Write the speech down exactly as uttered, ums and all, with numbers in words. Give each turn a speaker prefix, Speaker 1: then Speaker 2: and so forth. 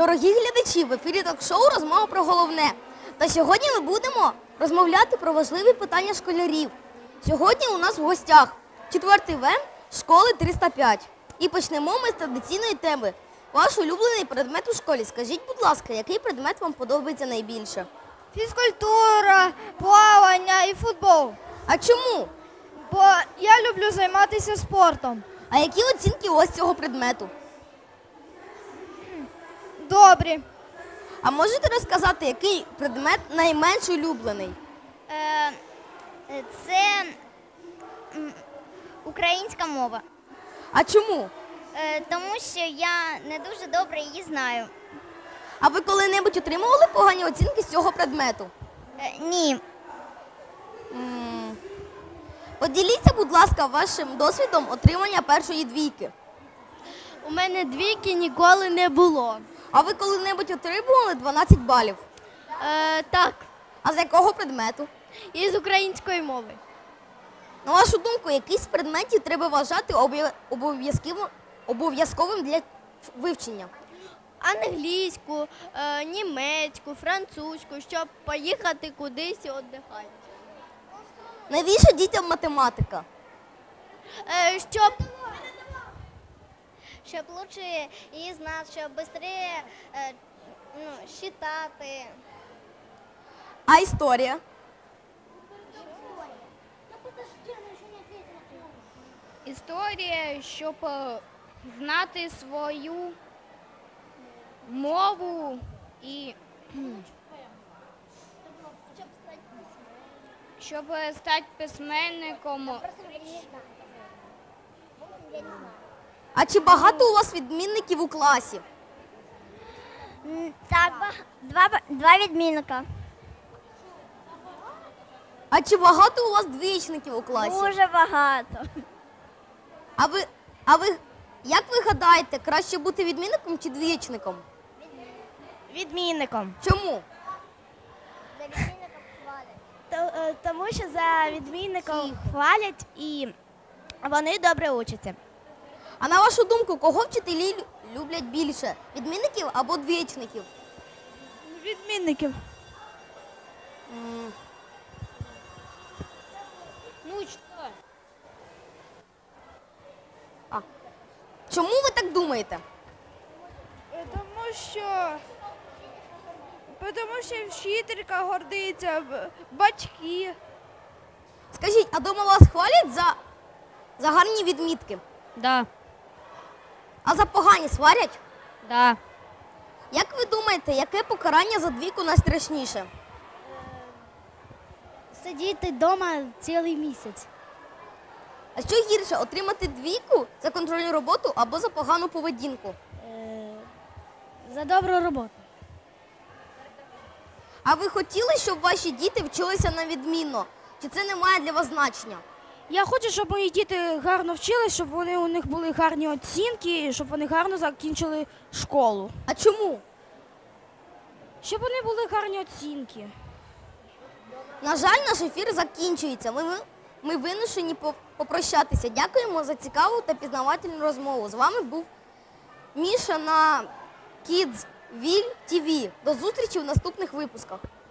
Speaker 1: Дорогі глядачі, в ефірі ток-шоу «Розмова про головне». Та сьогодні ми будемо розмовляти про важливі питання школярів. Сьогодні у нас в гостях четвертий В школи триста п'ять. І почнемо ми з традиційної теми. Ваш улюблений предмет у школі. Скажіть, будь ласка, який предмет вам подобається найбільше?
Speaker 2: Фізкультура, плавання і футбол.
Speaker 1: А чому?
Speaker 2: Бо я люблю займатися спортом.
Speaker 1: А які оцінки у вас цього предмету?
Speaker 2: Добрі.
Speaker 1: А можете розказати, який предмет найменш улюблений?
Speaker 3: Е, Це м, українська мова,
Speaker 1: А чому?
Speaker 3: Е, тому що я не дуже добре її знаю.
Speaker 1: А ви коли-небудь отримували погані оцінки з цього предмету?
Speaker 3: Е, Ні.
Speaker 1: М. Поділіться, будь ласка, вашим досвідом отримання першої двійки.
Speaker 2: У мене двійки ніколи не було.
Speaker 1: А ви коли-небудь отримували дванадцять балів?
Speaker 2: Е, так,
Speaker 1: А з якого предмету?
Speaker 2: із української мови.
Speaker 1: На вашу думку, який з предметів треба вважати обов'я- обов'язковим- обов'язковим для вивчення?
Speaker 2: Англійську, е, німецьку, французьку, щоб поїхати кудись і віддихати.
Speaker 1: Навіщо дітям математика?
Speaker 2: Е, щоб
Speaker 3: Щоб краще її знати, щоб швидше е, ну, считати.
Speaker 1: А історія?
Speaker 4: Історія, щоб е, знати свою мову і кхм, щоб е, стати письменником.
Speaker 1: А чи багато у вас відмінників у класі?
Speaker 3: Так, два, два відмінника.
Speaker 1: А чи багато у вас двічників у класі?
Speaker 3: Дуже багато.
Speaker 1: А ви, а ви, як ви гадаєте, краще бути відмінником чи двічником?
Speaker 2: відмінником.
Speaker 1: Чому?
Speaker 2: е, Тому що за відмінником хвалять і вони добре учаться.
Speaker 1: А на вашу думку, кого вчителі лю- люблять більше? Відмінників або двічників?
Speaker 2: Відмінників.
Speaker 1: М.
Speaker 4: Ну, що?
Speaker 1: А. Чому ви так думаєте?
Speaker 2: Тому що тому що вчителька гордиться, б- батьки.
Speaker 1: Скажіть, а дома вас хвалять за, за гарні відмітки?
Speaker 4: Да,
Speaker 1: А за погані сварять?
Speaker 4: да.
Speaker 1: Як ви думаєте, яке покарання за двійку найстрашніше?
Speaker 2: Сидіти вдома цілий місяць.
Speaker 1: А що гірше, отримати двійку за контрольну роботу або за погану поведінку?
Speaker 2: За добру роботу.
Speaker 1: А ви хотіли, щоб ваші діти вчилися на відмінно? Чи це не має для вас значення?
Speaker 5: Я хочу, щоб мої діти гарно вчились, щоб вони у них були гарні оцінки, і щоб вони гарно закінчили школу.
Speaker 1: А чому?
Speaker 5: Щоб вони були гарні оцінки.
Speaker 1: На жаль, наш ефір закінчується. Ми, ми, ми вимушені по- попрощатися. Дякуємо за цікаву та пізнавательну розмову. З вами був Міша на Kidsville ті ві. До зустрічі в наступних випусках.